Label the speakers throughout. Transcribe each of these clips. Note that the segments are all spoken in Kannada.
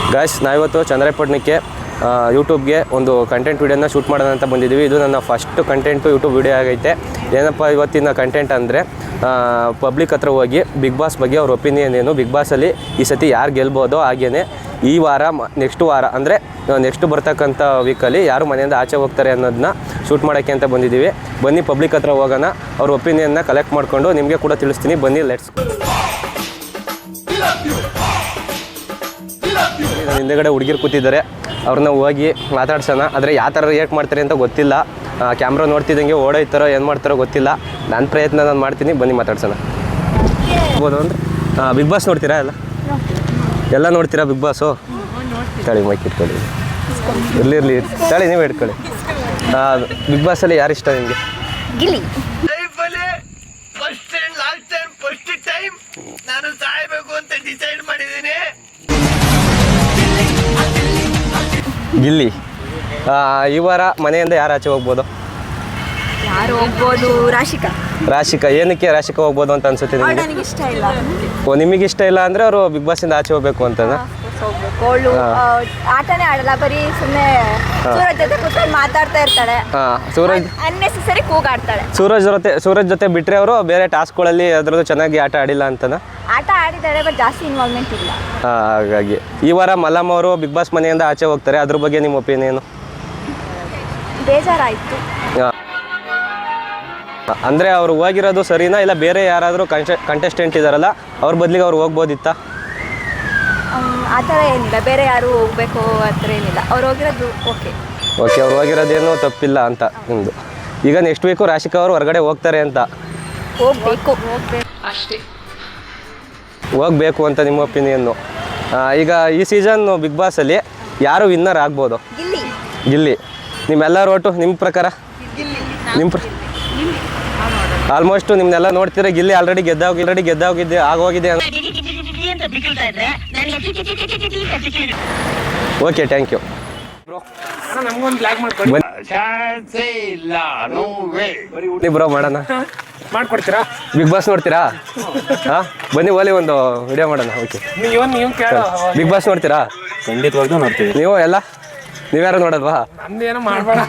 Speaker 1: ಗಾಯ್ಸ್ ನಾವಿವತ್ತು ಚಂದ್ರಾಯಪಟ್ಟಣಕ್ಕೆ ಯೂಟ್ಯೂಬ್ಗೆ ಒಂದು ಕಂಟೆಂಟ್ ವೀಡಿಯೋನ ಶೂಟ್ ಮಾಡೋಣ ಅಂತ ಬಂದಿದ್ದೀವಿ. ಇದು ನನ್ನ ಫಸ್ಟ್ ಕಂಟೆಂಟು ಯೂಟ್ಯೂಬ್ ವೀಡಿಯೋ ಆಗೈತೆ. ಏನಪ್ಪ ಇವತ್ತಿನ ಕಂಟೆಂಟ್ ಅಂದರೆ ಪಬ್ಲಿಕ್ ಹತ್ರ ಹೋಗಿ ಬಿಗ್ ಬಾಸ್ ಬಗ್ಗೆ ಅವ್ರ ಒಪಿನಿಯನ್ ಏನು, ಬಿಗ್ ಬಾಸಲ್ಲಿ ಈ ಸತಿ ಯಾರು ಗೆಲ್ಬೋದೋ, ಹಾಗೆಯೇ ಈ ವಾರ ನೆಕ್ಸ್ಟ್ ವಾರ ಅಂದರೆ ನೆಕ್ಸ್ಟ್ ಬರ್ತಕ್ಕಂಥ ವೀಕಲ್ಲಿ ಯಾರು ಮನೆಯಿಂದ ಆಚೆ ಹೋಗ್ತಾರೆ ಅನ್ನೋದನ್ನ ಶೂಟ್ ಮಾಡೋಕ್ಕೆ ಅಂತ ಬಂದಿದ್ದೀವಿ. ಬನ್ನಿ ಪಬ್ಲಿಕ್ ಹತ್ರ ಹೋಗೋಣ, ಅವ್ರ ಒಪಿನಿಯನ್ನ ಕಲೆಕ್ಟ್ ಮಾಡಿಕೊಂಡು ನಿಮಗೆ ಕೂಡ ತಿಳಿಸ್ತೀನಿ. ಬನ್ನಿ ಲೆಟ್ಸ್. ಹಿಂದೆಗಡೆ ಹುಡುಗಿರು ಕೂತಿದ್ದಾರೆ, ಅವ್ರನ್ನ ಹೋಗಿ ಮಾತಾಡ್ಸೋಣ. ಆದರೆ ಯಾವ ಥರ ರಿಯಾಕ್ಟ್ ಮಾಡ್ತಾರೆ ಅಂತ ಗೊತ್ತಿಲ್ಲ. ಕ್ಯಾಮ್ರಾ ನೋಡ್ತಿದ್ದಂಗೆ ಓಡೋಯ್ತಾರೋ ಏನು ಮಾಡ್ತಾರೋ ಗೊತ್ತಿಲ್ಲ. ನನ್ನ ಪ್ರಯತ್ನ ನಾನು ಮಾಡ್ತೀನಿ, ಬನ್ನಿ ಮಾತಾಡ್ಸೋಣ. ಆಗ್ಬೋದು ಅಂದರೆ ಬಿಗ್ ಬಾಸ್ ನೋಡ್ತೀರಾ? ಎಲ್ಲ ನೋಡ್ತೀರಾ ಬಿಗ್ ಬಾಸು? ತಳಿ ಮೈಕ್ ಇಟ್ಕೊಳ್ಳಿ, ಇರಲಿ ತಳಿ ನೀವು ಇಟ್ಕೊಳ್ಳಿ. ಬಿಗ್ ಬಾಸಲ್ಲಿ ಯಾರು ಇಷ್ಟ ನಿಮಗೆ?
Speaker 2: ಗಿಲ್ಲಿ.
Speaker 3: ನಾನು ಸಾಯಬೇಕು ಅಂತ ಡಿಸೈಡ್ ಮಾಡಿದ್ದೀನಿ.
Speaker 1: ಗಿಲ್ಲಿ. ಈ ವಾರ ಮನೆಯಿಂದ ಯಾರು ಆಚೆ ಹೋಗ್ಬೋದು?
Speaker 2: ಯಾರು ಹೋಗ್ಬೋದು? ರಾಶಿಕಾ. ಏನಕ್ಕೆ ರಾಶಿಕಾ ಹೋಗ್ಬೋದು ಅಂತ ಅನ್ಸುತ್ತೆ ನಿಮಗೆ? ನನಗೆ ಇಷ್ಟ ಇಲ್ಲ.
Speaker 1: ಓ, ನಿಮಗೆ ಇಷ್ಟ ಇಲ್ಲ ಅಂದರೆ ಅವರು ಬಿಗ್ ಬಾಸಿಂದ ಆಚೆ ಹೋಗ್ಬೇಕು ಅಂತನಾ?
Speaker 2: ಅವಳು ಆಟನೇ ಆಡಲ್ಲ, ಬರೀ ಸುಮ್ಮನೆ ಸೂರಜ್ ಜೊತೆ ಕೂತ್ಕೊಂಡು ಮಾತಾಡ್ತಾ ಇರ್ತಾಳೆ.
Speaker 1: ಸೂರಜ್
Speaker 2: ಅನ್ನೆಸೆಸರಿ ಕೂಗಾಡ್ತಾಳೆ.
Speaker 1: ಸೂರಜ್ ಜೊತೆ ಬಿಟ್ಟರೆ ಅವರು ಬೇರೆ ಟಾಸ್ಕ್ಗಳಲ್ಲಿ ಅದರದ್ದು ಚೆನ್ನಾಗಿ ಆಟ ಆಡಿಲ್ಲ ಅಂತನಾ?
Speaker 2: ಆಟ ಆಡಿದ್ದಾಳೆ, ಬಟ್ ಜಾಸ್ತಿ ಇನ್ವಾಲ್ವ್ಮೆಂಟ್ ಇಲ್ಲ.
Speaker 1: ಹಾಗಾಗಿ ಈ ವಾರ ಮಲ್ಲಮ್ಮ ಅವರು ಬಿಗ್ ಬಾಸ್ ಮನೆಯಿಂದ ಆಚೆ ಹೋಗ್ತಾರೆ, ಅದ್ರ ಬಗ್ಗೆ ನಿಮ್ಮ ಒಪಿನಿಯನು?
Speaker 2: ಬೇಜಾರಾಯಿತು.
Speaker 1: ಅಂದರೆ ಅವ್ರು ಹೋಗಿರೋದು ಸರಿನಾ, ಇಲ್ಲ ಬೇರೆ ಯಾರಾದರೂ ಕಂಟೆಸ್ಟೆಂಟ್ ಇದ್ದಾರಲ್ಲ ಅವ್ರ ಬದಲಿಗೆ ಅವ್ರು ಹೋಗ್ಬೋದಿತ್ತಾ?
Speaker 2: ಆ ಥರ ಏನಿಲ್ಲ, ಬೇರೆ ಯಾರು ಹೋಗ್ಬೇಕು ಆ ಥರ ಏನಿಲ್ಲ. ಅವ್ರು ಹೋಗಿರೋದು ಓಕೆ,
Speaker 1: ಅವ್ರು ಹೋಗಿರೋದೇನು ತಪ್ಪಿಲ್ಲ ಅಂತ ನಿಮ್ಮದು. ಈಗ ನೆಕ್ಸ್ಟ್ ವೀಕು ರಾಶಿಕಾ ಅವರು ಹೊರಗಡೆ ಹೋಗ್ತಾರೆ ಅಂತ.
Speaker 2: ಹೋಗ್ಬೇಕು ಅಷ್ಟೇ.
Speaker 1: ಹೋಗಬೇಕು ಅಂತ ನಿಮ್ಮ ಒಪಿನಿಯನ್ನು. ಈಗ ಈ ಸೀಸನ್ ಬಿಗ್ ಬಾಸಲ್ಲಿ ಯಾರು ವಿನ್ನರ್ ಆಗ್ಬೋದು? ಗಿಲ್ಲಿ. ನಿಮ್ಮೆಲ್ಲರ ಒಟ್ಟು ನಿಮ್ಮ ಪ್ರಕಾರ? ಆಲ್ಮೋಸ್ಟ್ ನಿಮ್ಮನ್ನೆಲ್ಲ ನೋಡ್ತೀರಾ, ಗಿಲ್ಲಿ ಆಲ್ರೆಡಿ ಗೆದ್ದೋಗಿದ್ದೆ ಆಗೋಗಿದೆ. Okay, thank you bro. ಮಾಡೋಣ,
Speaker 4: ಮಾಡ್ಕೊಡ್ತೀರಾ?
Speaker 1: ಬಿಗ್ ಬಾಸ್ ನೋಡ್ತೀರಾ? ಹಾಂ, ಬನ್ನಿ ಓಲಿ ಒಂದು ವಿಡಿಯೋ ಮಾಡೋಣ. ಓಕೆ, ಬಿಗ್ ಬಾಸ್ ನೋಡ್ತೀರಾ?
Speaker 4: ಖಂಡಿತವಾಗ್ಲೂ ನೋಡ್ತೀವಿ.
Speaker 1: ನೀವು ಎಲ್ಲ ನೀವ್ಯಾರು ನೋಡೋದ್ವಾ?
Speaker 4: ನಮ್ದೇನೋ ಮಾಡಬೇಡ.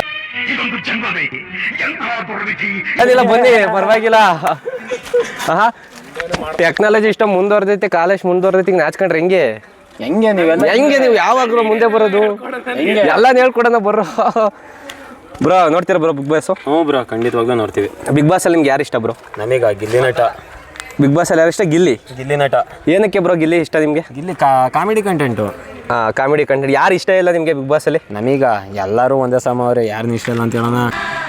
Speaker 1: ಅದಿಲ್ಲ, ಬನ್ನಿ, ಪರವಾಗಿಲ್ಲ. ಹಾಂ, ಟೆಕ್ನಾಲಜಿ ಇಷ್ಟ ಮುಂದುವರೆದೈತೆ, ಕಾಲೇಜ್ ಮುಂದುವರೆದೈತಿ, ನಾಚ್ಕೊಂಡ್ರೆ ಹೆಂಗೆ ನೀವು ಯಾವಾಗಲೂ ಮುಂದೆ ಬರೋದು? ಎಲ್ಲ ಹೇಳ್ಕೊಡೋಣ ಬರ್ರೋ. ಬ್ರೋ ನೋಡ್ತೀರಾ ಬ್ರೋ ಬಿಗ್ ಬಾಸ್?
Speaker 4: ಹ್ಞೂ ಬ್ರೋ, ಖಂಡಿತವಾಗ್ಲೂ ನೋಡ್ತೀವಿ.
Speaker 1: ಬಿಗ್ ಬಾಸಲ್ಲಿ ನಿಮ್ಗೆ ಯಾರು ಇಷ್ಟ ಬ್ರೋ?
Speaker 4: ನಮಗೆ ಗಿಲ್ಲಿ ನಟ.
Speaker 1: ಬಿಗ್ ಬಾಸಲ್ಲಿ ಯಾರು ಇಷ್ಟ? ಗಿಲ್ಲಿ
Speaker 4: ನಟ.
Speaker 1: ಏನಕ್ಕೆ ಬ್ರೋ ಗಿಲ್ಲಿ ಇಷ್ಟ ನಿಮಗೆ?
Speaker 4: Gilli comedy content.
Speaker 1: Comedy content. ಯಾರು ಇಷ್ಟ ಇಲ್ಲ ನಿಮಗೆ ಬಿಗ್ ಬಾಸಲ್ಲಿ?
Speaker 4: ನಮೀಗ ಎಲ್ಲರೂ ಒಂದೇ ಸಮ ಅವ್ರೆ, ಯಾರನ್ನ ಇಷ್ಟ ಇಲ್ಲ ಅಂತ ಹೇಳೋಣ.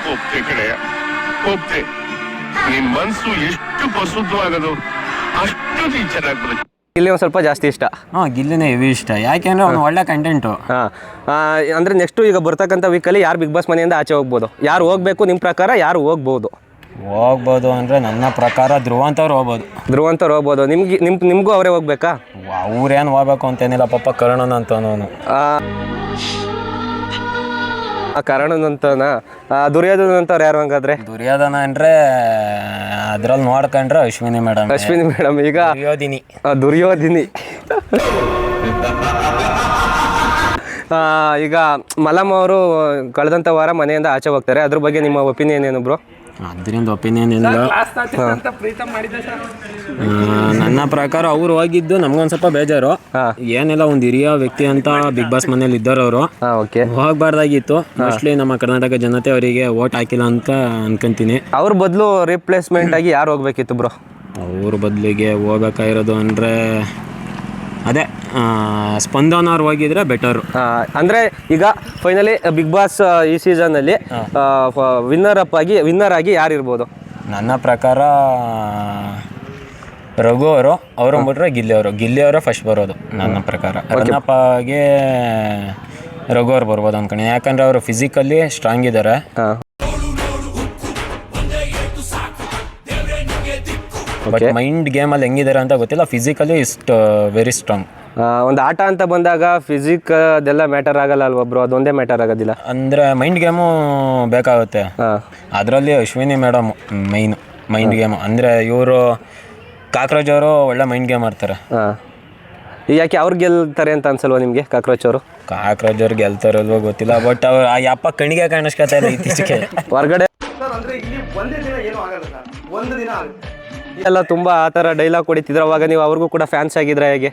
Speaker 3: ನಿಮ್ಮ ಮನಸ್ಸು ಎಷ್ಟು ಪ್ರಸುದ್ಧವಾಗದು ಅಷ್ಟು ಚೆನ್ನಾಗಿ ಬರುತ್ತೆ.
Speaker 1: ಗಿಲ್ಲಿ ಒಂದು ಸ್ವಲ್ಪ ಜಾಸ್ತಿ ಇಷ್ಟ.
Speaker 4: ಗಿಲ್ಲಿನೇ ಹೆವಿ ಇಷ್ಟ, ಯಾಕೆಂದ್ರೆ ಅವ್ನು ಒಳ್ಳೆ ಕಂಟೆಂಟು.
Speaker 1: ಅಂದರೆ ನೆಕ್ಸ್ಟು ಈಗ ಬರ್ತಕ್ಕಂಥ ವೀಕಲ್ಲಿ ಯಾರು ಬಿಗ್ ಬಾಸ್ ಮನೆಯಿಂದ ಆಚೆ ಹೋಗ್ಬೋದು? ಯಾರು ಹೋಗಬೇಕು ನಿಮ್ಮ ಪ್ರಕಾರ? ಯಾರು ಹೋಗ್ಬೋದು
Speaker 4: ಅಂದರೆ ನನ್ನ ಪ್ರಕಾರ ಧ್ರುವಂತವ್ರು
Speaker 1: ಹೋಗ್ಬೋದು. ನಿಮಗೂ ಅವರೇ ಹೋಗ್ಬೇಕಾ?
Speaker 4: ಅವ್ರೇನು ಹೋಗ್ಬೇಕು ಅಂತೇನಿಲ್ಲ, ಪಾಪ ಕರ್ಣನ್ ಅಂತನವನು.
Speaker 1: ಕರ್ಣನಂತನ. ದುರ್ಯೋಧನ ಅಂತವ್ರು ಯಾರು ಹಂಗಾದ್ರೆ?
Speaker 4: ದುರ್ಯೋಧನ ಅಂದರೆ ಅದ್ರಲ್ಲಿ ನೋಡ್ಕೊಂಡ್ರೆ ಅಶ್ವಿನಿ ಮೇಡಮ್.
Speaker 1: ಈಗ ದುರ್ಯೋಧಿನಿ. ಈಗ ಮಲಮ್ ಅವರು ಕಳೆದಂಥ ವಾರ ಮನೆಯಿಂದ ಆಚೆ ಹೋಗ್ತಾರೆ, ಅದ್ರ ಬಗ್ಗೆ ನಿಮ್ಮ ಒಪಿನಿಯನ್ ಏನು ಬ್ರೋ?
Speaker 4: ಅದರಿಂದ ಒಪಿನಿಯನ್ ಇಲ್ಲ. ನನ್ನ ಪ್ರಕಾರ ಅವ್ರು ಹೋಗಿದ್ದು ನಮ್ಗೊಂದು ಸ್ವಲ್ಪ ಬೇಜಾರು. ಏನೆಲ್ಲ ಒಂದು ಹಿರಿಯ ವ್ಯಕ್ತಿ ಅಂತ ಬಿಗ್ ಬಾಸ್ ಮನೇಲಿ ಇದ್ದಾರೆ ಅವರು. ಹೋಗ್ಬಾರ್ದಾಗಿತ್ತು. ಮೋಸ್ಟ್ಲಿ ನಮ್ಮ ಕರ್ನಾಟಕ ಜನತೆ ಅವರಿಗೆ ವೋಟ್ ಹಾಕಿಲ್ಲ ಅಂತ ಅನ್ಕೊಂತೀನಿ.
Speaker 1: ಅವ್ರ ಬದಲು ರಿಪ್ಲೇಸ್ಮೆಂಟ್ ಆಗಿ ಯಾರು ಹೋಗ್ಬೇಕಿತ್ತು ಬ್ರೋ?
Speaker 4: ಅವ್ರ ಬದಲಿಗೆ ಹೋಗ್ಬೇಕಾಗಿರೋದು ಅಂದರೆ ಅದೇ ಸ್ಪಂದನ ಅವ್ರು ಹೋಗಿದ್ರೆ ಬೆಟರು.
Speaker 1: ಅಂದರೆ ಈಗ ಫೈನಲಿ ಬಿಗ್ ಬಾಸ್ ಈ ಸೀಸನ್ನಲ್ಲಿ ವಿನ್ನರ್ ಆಗಿ ಯಾರು ಇರ್ಬೋದು?
Speaker 4: ನನ್ನ ಪ್ರಕಾರ ರಘು ಅವರು ಬಿಟ್ರೆ ಗಿಲ್ಲಿ ಅವರು ಫಸ್ಟ್ ಬರೋದು ನನ್ನ ಪ್ರಕಾರ. ರನ್ನಪ್ಪಗೆ ರಘು ಅವ್ರು ಬರ್ಬೋದು ಅನ್ಕೊಂಡು, ಯಾಕಂದರೆ ಅವರು ಫಿಸಿಕಲಿ ಸ್ಟ್ರಾಂಗ್ ಇದ್ದಾರೆ. ಬಟ್ ಮೈಂಡ್ ಗೇಮಲ್ಲಿ ಹೆಂಗಿದ್ದಾರೆ ಅಂತ ಗೊತ್ತಿಲ್ಲ, ಫಿಸಿಕಲಿ ಇಸ್ಟ್ ವೆರಿ ಸ್ಟ್ರಾಂಗ್.
Speaker 1: ಒಂದು ಆಟ ಅಂತ ಬಂದಾಗ ಫಿಸಿಕ್ ಅದೆಲ್ಲ ಮ್ಯಾಟರ್ ಆಗಲ್ಲ ಅಲ್ವಾ ಬ್ರೋ? ಅದೊಂದೇ ಮ್ಯಾಟರ್ ಆಗೋದಿಲ್ಲ
Speaker 4: ಅಂದರೆ ಮೈಂಡ್ ಗೇಮು ಬೇಕಾಗುತ್ತೆ. ಅದರಲ್ಲಿ ಅಶ್ವಿನಿ ಮೇಡಮ್ ಮೈಂಡ್ ಗೇಮು ಅಂದರೆ ಇವರು ಕಾಕ್ರೋಚ್ ಅವರು ಒಳ್ಳೆ ಮೈಂಡ್ ಗೇಮ್ ಆಡ್ತಾರೆ.
Speaker 1: ಯಾಕೆ ಅವ್ರು ಗೆಲ್ತಾರೆ ಅಂತ ಅನ್ಸಲ್ವಾ ನಿಮಗೆ ಕಾಕ್ರೋಚ್ ಅವರು?
Speaker 4: ಕಾಕ್ರೋಚ್ ಅವ್ರು ಗೆಲ್ತಾರಲ್ವೋ ಗೊತ್ತಿಲ್ಲ, ಬಟ್ ಅವ್ರು ಆ ಯಪ್ಪ ಕಣಿಗೆ ಕಾಣಿಸ್ಕೊತಾ ಇಲ್ಲ ಇತ್ತೀಚೆಗೆ.
Speaker 1: ಹೊರಗಡೆ ಎಲ್ಲ ತುಂಬ ಆ ಥರ ಡೈಲಾಗ್ ಹೊಡಿತಿದ್ರು, ಅವಾಗ ನೀವು ಅವ್ರಿಗೂ ಕೂಡ ಫ್ಯಾನ್ಸ್ ಆಗಿದ್ರೆ ಹೇಗೆ?